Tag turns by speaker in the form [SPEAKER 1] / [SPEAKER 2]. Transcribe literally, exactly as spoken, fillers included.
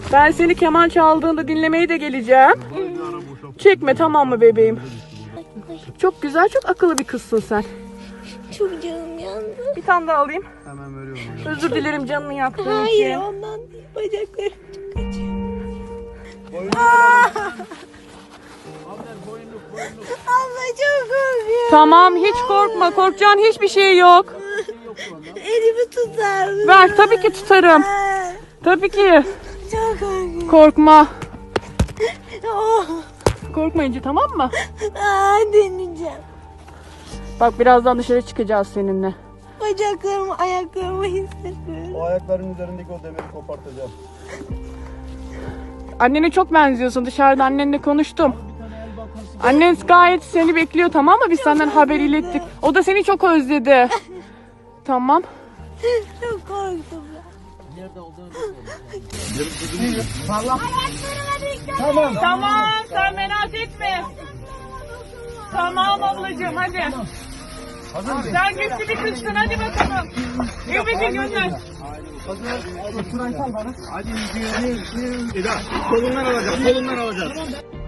[SPEAKER 1] Ben seni keman çaldığında dinlemeye de geleceğim. Çekme, tamam mı bebeğim? Çok güzel, çok akıllı bir kızsın sen.
[SPEAKER 2] Çok canım yandı.
[SPEAKER 1] Bir tane daha alayım.
[SPEAKER 3] Hemen veriyorum.
[SPEAKER 1] Özür dilerim canını yaktığım
[SPEAKER 2] Hayır,
[SPEAKER 1] için.
[SPEAKER 2] ondan değil. Bacaklarım çok acıyor. Abla çok korkuyorum.
[SPEAKER 1] Tamam, hiç korkma. Korkacağın hiçbir şey yok.
[SPEAKER 2] Elimi tutar mısın?
[SPEAKER 1] Ver, tabii ki tutarım.
[SPEAKER 2] Aa,
[SPEAKER 1] Tabii ki.
[SPEAKER 2] çok korkuyorum.
[SPEAKER 1] Korkma.
[SPEAKER 2] Oh.
[SPEAKER 1] Korkmayınca, tamam mı?
[SPEAKER 2] Aa, deneyeceğim.
[SPEAKER 1] Bak, birazdan dışarı çıkacağız seninle.
[SPEAKER 2] Bacaklarımı, ayaklarımı hissediyorum.
[SPEAKER 3] O ayakların üzerindeki o demiri kopartacağım.
[SPEAKER 1] Annene çok benziyorsun. Dışarıda annenle konuştum. Annen gayet seni bekliyor, tamam mı? Biz senden haber ilettik. O da seni çok özledi. Tamam.
[SPEAKER 2] Çok korktum ben.
[SPEAKER 3] Tamam.
[SPEAKER 1] Tamam, sen merak etme. Tamam ablacığım, hadi.
[SPEAKER 3] Hazır mısın?
[SPEAKER 1] Sen güçlü bir kızsın, hadi bakalım. Evet, gönder.
[SPEAKER 3] Hazır. Abla şurayı sal bana. Hadi yürü, yürü, yürü. Eda, kolundan alacağız, kolundan alacağız.